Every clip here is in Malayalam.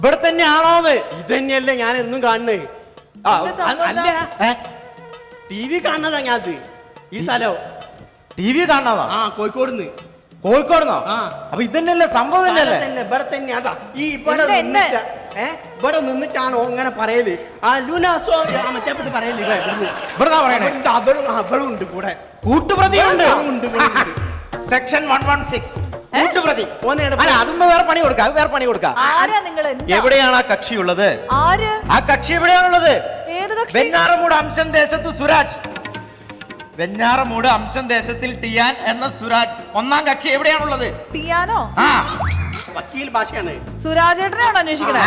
ഇവിടെ തന്നെയാണോന്ന്? ഇത് തന്നെയല്ലേ ഞാൻ എന്നും കാണുന്നത്. അല്ല ടി വി കാണുന്നതാ ഞാനത്. ഈ സ്ഥലം ടി വി കാണാതാ? കോഴിക്കോടുന്ന്. കോഴിക്കോടുന്നോ? അപ്പൊ ഇതന്നെയല്ലേ സംഭവം? തന്നെയല്ലേ ഇവിടെ തന്നെ. അതാ ഈ ഇവിടെ നിന്നിട്ടാണോ അങ്ങനെ പറയല്? ലൂനാസോ മറ്റേ പറയല്. ഇവിടെ പറയണേ അവളും ഉണ്ട് കൂടെ, കൂട്ടുപ്രതിയുണ്ട്. സെക്ഷൻ 116 കൂട്ടുപ്രതി. അതും വേറെ പണി കൊടുക്കാം, വേറെ പണി കൊടുക്കാം. എവിടെയാണ് ആ കക്ഷിയുള്ളത്? ആ കക്ഷി എവിടെയാണുള്ളത്? വെഞ്ഞാറമൂട് അംശം ദേശത്ത് സുരാജ്. വെഞ്ഞാറമൂട് അംശം ദേശത്തിൽ ടിയാൻ എന്ന സുരാജ് ഒന്നാം കക്ഷി എവിടെയാണുള്ളത്? ടിയാനോ? വക്കീൽ ഭാഷയാണ്. സുരാജേട്ടനെയാണോ അന്വേഷിക്കണേ?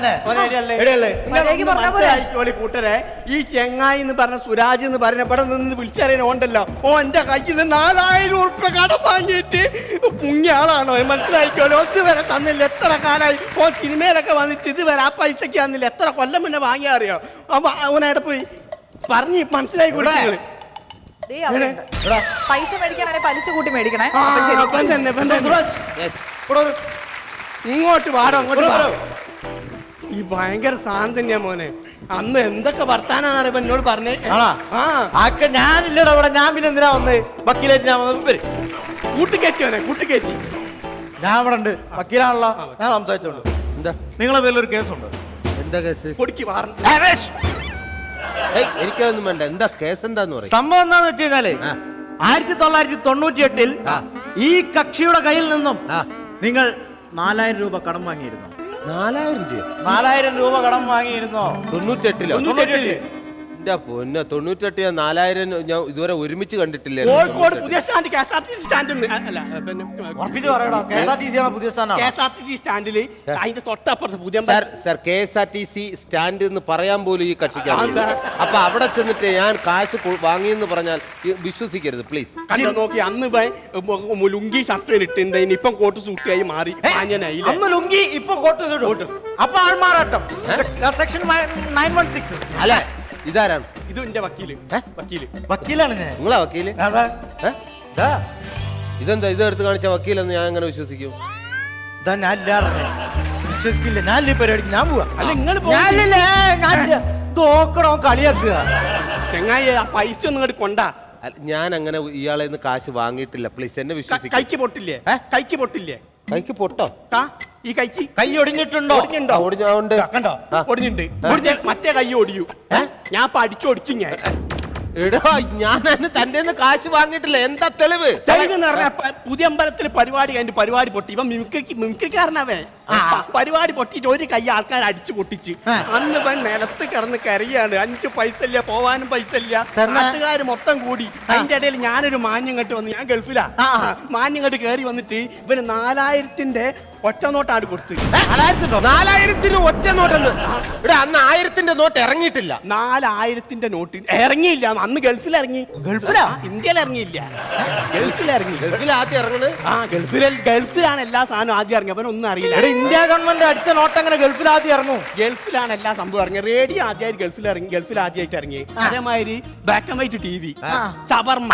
കൂട്ടരെ ഈ ചെങ്ങായി എന്ന് പറഞ്ഞ സുരാജ് എന്ന് പറഞ്ഞ ഇവിടെ നിന്ന് വിളിച്ചറിയാൻ ഉണ്ടല്ലോ. എന്റെ കയ്യിൽ നിന്ന് 4000 ഉറുപ്പിക കടം വാങ്ങിയിട്ട് മുങ്ങിയ ആളാണോ? മനസ്സിലായിക്കോളൂ. ഇതുവരെ തന്നില്ല. എത്ര കാലമായി സിനിമയിലൊക്കെ വന്നിട്ട് ഇതുവരെ ആ പൈസക്ക് തന്നില്ല. എത്ര കൊല്ലം മുന്നേ വാങ്ങിയാ അറിയോ? അപ്പൊ അവനവിടെ പോയി പറഞ്ഞ് മനസ്സിലായി കൂടെ. പൈസ മേടിക്കാനാണെങ്കിൽ പലിശ കൂട്ടി മേടിക്കണേ. ഇങ്ങോട്ട് വാടോ, അങ്ങോട്ട് വാടോ. ഈ ഭയങ്കര സാധനം തന്നെയാ മോനെ. അന്ന് എന്തൊക്കെ വർത്താനാണ് എന്നോട് പറഞ്ഞേ. ഞാനില്ലടാ ഇവിടെ. ഞാൻ പിന്നെ എന്തിനാ വന്ന്? വക്കീലായിട്ട് ഞാൻ വന്നത്. കൂട്ടിക്കയറ്റിയോനെ, കൂട്ടിക്കയറ്റി. ഞാൻ ഇവിടെ ഉണ്ട്, വക്കീലാണല്ലോ. ഞാൻ സംസാരിച്ചോണ്ട്. എന്താ നിങ്ങളെ പേരിലൊരു കേസുണ്ട്. എന്താ കേസ്? പൊടിക്ക് മാറുന്നു. എനിക്കതൊന്നും വേണ്ട. എന്താ കേസ്? എന്താന്ന് പറയും. സംഭവം എന്താന്ന് വെച്ച് കഴിഞ്ഞാല് 1998 ഈ കക്ഷിയുടെ കയ്യിൽ നിന്നും നിങ്ങൾ 4000 രൂപ കടം വാങ്ങിയിരുന്നോ? 4000 രൂപ കടം വാങ്ങിയിരുന്നോ? 98 എന്റെ പൊന്നെ, 98 4000 ഞാൻ ഇതുവരെ ഒരുമിച്ച് കണ്ടിട്ടില്ല. കോഴിക്കോട് പുതിയ സ്റ്റാൻഡ് KSRTC സ്റ്റാൻഡ് KSRTC സ്റ്റാൻഡില് അതിന്റെ തൊട്ടപ്പുറത്ത് പുതിയ KSRTC സ്റ്റാൻഡ് എന്ന് പറയാൻ പോലും ഈ കക്ഷിക്ക്. അപ്പൊ അവിടെ ചെന്നിട്ട് ഞാൻ കാശ് വാങ്ങിയെന്ന് പറഞ്ഞാൽ വിശ്വസിക്കരുത് പ്ലീസ്. കണ്ടോ നോക്കി. അന്ന് ലുങ്കി ഷർട്ട് ഇട്ടുണ്ട്, ഇപ്പം കോട്ട് സൂട്ടിയായി മാറി. അന്ന് ലുങ്കി, ഇപ്പൊ കോട്ട് സൂട്ട്. അപ്പൊ ആൾമാറാട്ടം. സെക്ഷൻ 916 അല്ല. ഇതാരാണ്? ഇത് എന്റെ വക്കീല്. വക്കീലാണ് ഞാൻ. നിങ്ങളാ വക്കീല്? ഇതെന്താ ഇതെടുത്ത് കാണിച്ച വക്കീലെന്ന് ഞാൻ എങ്ങനെ വിശ്വസിക്കും? ഞാൻ വിശ്വസിക്കില്ല. ഞാൻ ഈ പരിപാടിക്ക് ഞാൻ പോവാ. അല്ല നിങ്ങൾ തോക്കണോ കളിയാക്കുക? ചെങ്ങായി ആ പൈസ ഒന്നും ഇങ്ങോട്ട് കൊണ്ടാ. ഞാൻ അങ്ങനെ ഇയാളെ നിന്ന് കാശ് വാങ്ങിയിട്ടില്ല. പ്ലീസ് എന്നെ വിശ്വസിക്കും. കൈക്ക് പൊട്ടില്ലേ? കൈക്ക് പൊട്ടില്ലേ? കൈക്ക് പൊട്ടോ? ഈ കൈക്ക് കൈ ഒടിഞ്ഞിട്ടുണ്ടോ? ഒടിഞ്ഞോണ്ട് കണ്ടോ? ഒടിഞ്ഞിട്ടുണ്ട്. മറ്റേ കൈ ഒടിയൂ. ഞാൻ അടിച്ചൊടിക്കും. ഞാൻ തന്റെ കാശ് വാങ്ങിയിട്ടില്ല. എന്താ തെളിവ്? തെളിവെന്ന് പറഞ്ഞ പുതിയ അമ്പലത്തിൽ പരിപാടി കഴിഞ്ഞിട്ട് പരിപാടി പൊട്ടി. ഇവൻ മിമിക്രിക്കാരനവേ. പരിപാടി പൊട്ടിയിട്ട് ഒരു കൈ ആൾക്കാർ അടിച്ചു പൊട്ടിച്ച്. അന്ന് ഇവൻ നിലത്ത് കിടന്ന് കരയാണ്. 5 പൈസ ഇല്ല, പോവാനും പൈസ ഇല്ല. നാട്ടുകാർ മൊത്തം കൂടി. അതിന്റെ ഇടയിൽ ഞാനൊരു മാന്യം കെട്ട് വന്നു. ഞാൻ ഗൾഫിലാ. മാന്യം കെട്ട് കയറി വന്നിട്ട് ഇവന് 4000-ന്റെ ഒറ്റ നോട്ടാണ് കൊടുത്ത്. 4000-ന് ഒറ്റ നോട്ടെന്ന്? ഇവിടെ അന്ന് 1000-ന്റെ നോട്ട് ഇറങ്ങിയിട്ടില്ല. 4000-ന്റെ നോട്ട് ഇറങ്ങിയില്ല. അന്ന് ഗൾഫിൽ ഇറങ്ങി. ഗൾഫിലാ? ഇന്ത്യയിൽ ഇറങ്ങിയില്ല, ഗൾഫിൽ ഇറങ്ങി. ഗൾഫിൽ ആദ്യം ഇറങ്ങണത്? ഗൾഫിലാണ് എല്ലാ സാധനവും ആദ്യം ഇറങ്ങി. അവനൊന്നും അറിയില്ല. ഇന്ത്യ ഗവൺമെന്റ് അടിച്ച നോട്ട് അങ്ങനെ ഗൾഫിൽ ആദ്യം ഇറങ്ങും? ഗൾഫിലാണ് എല്ലാ സംഭവം ഇറങ്ങി. റേഡിയോ ആദ്യമായിട്ട് ഗൾഫിൽ ആദ്യമായിട്ട് ഇറങ്ങി. അതേമാതിരി ബ്ലാക്ക് ആൻഡ് വൈറ്റ് TV, ഷവർമ്മ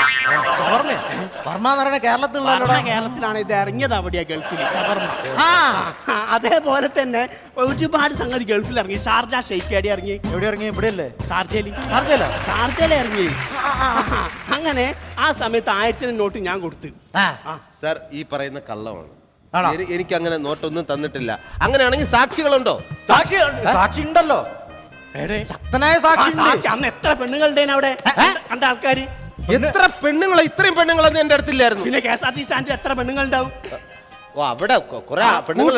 കേരളത്തിലാണ് ഇത് ഇറങ്ങിയത്. അവിടെയാ ഗൾഫിൽ ഷവർമ്മ. അതേപോലെ തന്നെ ഒരുപാട് സംഗതി ഗൾഫിൽ ഇറങ്ങി. ഷാർജ ഷെയ്ഖ് ഇറങ്ങി. എവിടെ ഇറങ്ങി? ഇവിടെയല്ലേ? ഷാർജയിൽ ഇറങ്ങി. അങ്ങനെ ആ സമയത്ത് 1000-ന്റെ നോട്ട് ഞാൻ കൊടുത്തു. സർ, ഈ പറയുന്ന കള്ളമാണ്. എനിക്ക് അങ്ങനെ നോട്ടൊന്നും തന്നിട്ടില്ല. അങ്ങനെയാണെങ്കിൽ സാക്ഷികളുണ്ടോ? സാക്ഷി ഉണ്ടല്ലോ. ശക്തനായ സാക്ഷി. അന്ന് എത്ര പെണ്ണുങ്ങളുടെ അവിടെ കണ്ട ആൾക്കാര്? എത്ര പെണ്ണുങ്ങളെ? ഇത്രയും പെണ്ണുങ്ങളൊന്നും എന്റെ അടുത്തില്ലായിരുന്നു. പിന്നെ KSRTC സ്റ്റാൻഡിൽ എത്ര പെണ്ണുങ്ങളുണ്ടാവും? അവിടെ കുറെ പെണ്ണുങ്ങൾ.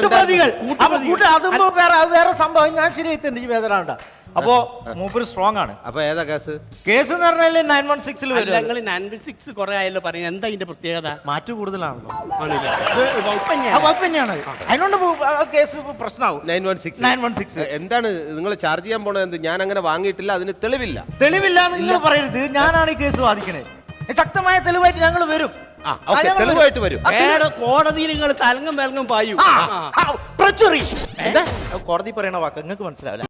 വേറെ സംഭവം ഞാൻ ശരിയായിട്ടുണ്ട്. ഈ വേദന അപ്പോ മൂപ്പര് സ്ട്രോങ് ആണ്. അപ്പൊ ഏതാ കേസ്? കേസ് എന്ന് പറഞ്ഞാൽ 916 ഞങ്ങൾ 916 കുറെ ആയല്ലോ പറയുന്നത്. എന്താ ഇതിന്റെ പ്രത്യേകത? മാറ്റു കൂടുതലാണല്ലോ. തന്നെയാണ്. അതിനോണ്ട് കേസ് പ്രശ്നമാവും. 916 എന്താണ് നിങ്ങൾ ചാർജ് ചെയ്യാൻ പോണത്? ഞാൻ അങ്ങനെ വാങ്ങിയിട്ടില്ല. അതിന് തെളിവില്ല. തെളിവില്ല നിങ്ങൾ പറയരുത്. ഞാനാണ് ഈ കേസ് വാദിക്കണത്. ശക്തമായ തെളിവായിട്ട് ഞങ്ങൾ വരും. തെളിവായിട്ട് വരും. കോടതിയിൽ നിങ്ങൾ തലങ്ങും വിലങ്ങും പായൂ. കോടതി പറയണ വാക്ക് നിങ്ങൾക്ക് മനസ്സിലാവില്ല.